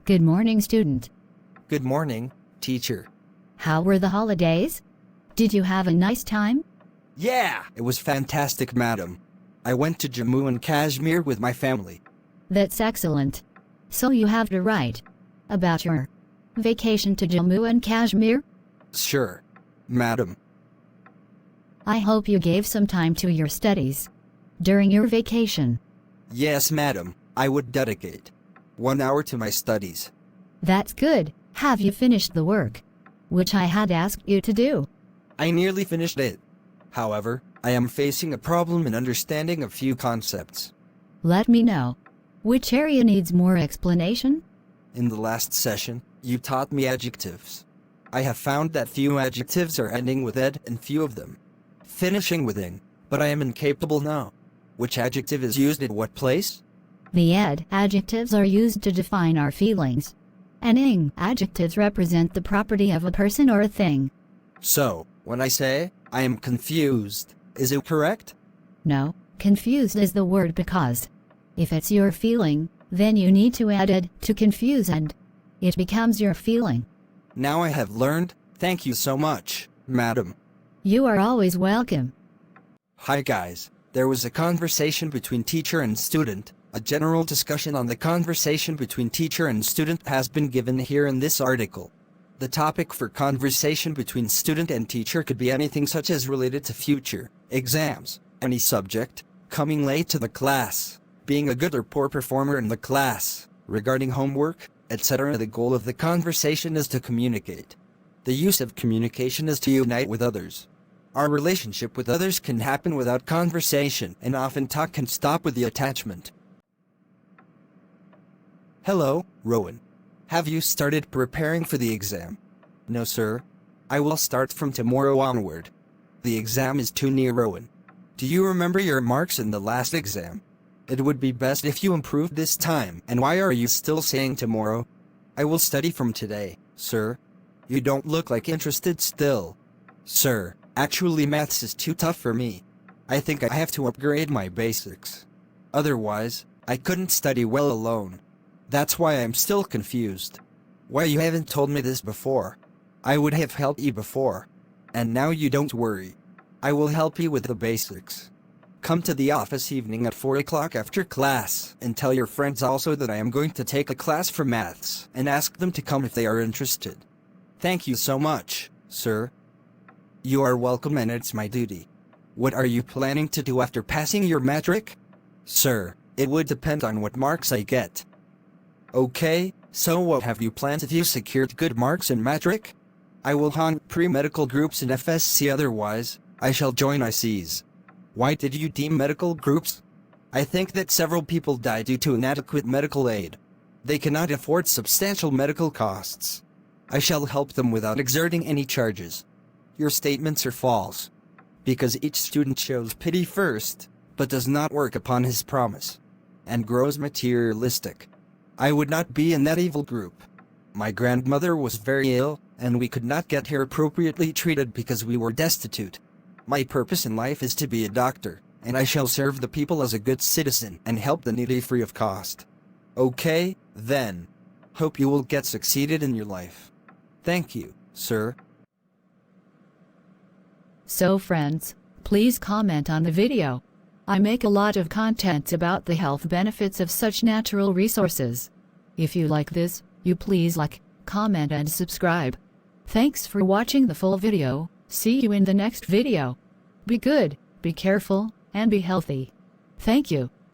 Good morning, student. Good morning, teacher. How were the holidays? Did you have a nice time? Yeah, it was fantastic, madam. I went to Jammu and Kashmir with my family. That's excellent. So you have to write about your vacation to Jammu and Kashmir? Sure, madam. I hope you gave some time to your studies during your vacation. Yes, madam, I would dedicate 1 hour to my studies. That's good. Have you finished the work which I had asked you to do? I nearly finished it. However, I am facing a problem in understanding a few concepts. Let me know. Which area needs more explanation? In the last session, you taught me adjectives. I have found that few adjectives are ending with ed and few of them finishing with ing, but I am incapable now. Which adjective is used in what place? The ed adjectives are used to define our feelings. And ing adjectives represent the property of a person or a thing. So, when I say, I am confused, is it correct? No, confused is the word because if it's your feeling, then you need to add ed to confuse and it becomes your feeling. Now I have learned. Thank you so much, madam. You are always welcome. Hi guys. There was a conversation between teacher and student. A general discussion on the conversation between teacher and student has been given here in this article. The topic for conversation between student and teacher could be anything such as related to future, exams, any subject, coming late to the class, being a good or poor performer in the class, regarding homework, etc. The goal of the conversation is to communicate. The use of communication is to unite with others. Our relationship with others can happen without conversation, and often talk can stop with the attachment. Hello, Rowan. Have you started preparing for the exam? No, sir. I will start from tomorrow onward. The exam is too near, Rowan. Do you remember your marks in the last exam? It would be best if you improved this time. And why are you still saying tomorrow? I will study from today, sir. You don't look like interested still. Sir, actually maths is too tough for me. I think I have to upgrade my basics. Otherwise, I couldn't study well alone. That's why I'm still confused. Why you haven't told me this before? I would have helped you before. And now you don't worry. I will help you with the basics. Come to the office evening at 4 o'clock after class, and tell your friends also that I am going to take a class for maths, and ask them to come if they are interested. Thank you so much, sir. You are welcome, and it's my duty. What are you planning to do after passing your matric? Sir, it would depend on what marks I get. Okay, so what have you planned if you secured good marks in matric? I will haunt pre-medical groups in FSC, otherwise, I shall join ICs. Why did you deem medical groups? I think that several people die due to inadequate medical aid. They cannot afford substantial medical costs. I shall help them without exerting any charges. Your statements are false. Because each student shows pity first, but does not work upon his promise, and grows materialistic. I would not be in that evil group. My grandmother was very ill, and we could not get her appropriately treated because we were destitute. My purpose in life is to be a doctor, and I shall serve the people as a good citizen and help the needy free of cost. Okay, then. Hope you will get succeeded in your life. Thank you, sir. So friends, please comment on the video. I make a lot of contents about the health benefits of such natural resources. If you like this, you please like, comment and subscribe. Thanks for watching the full video. See you in the next video. Be good, be careful, and be healthy. Thank you.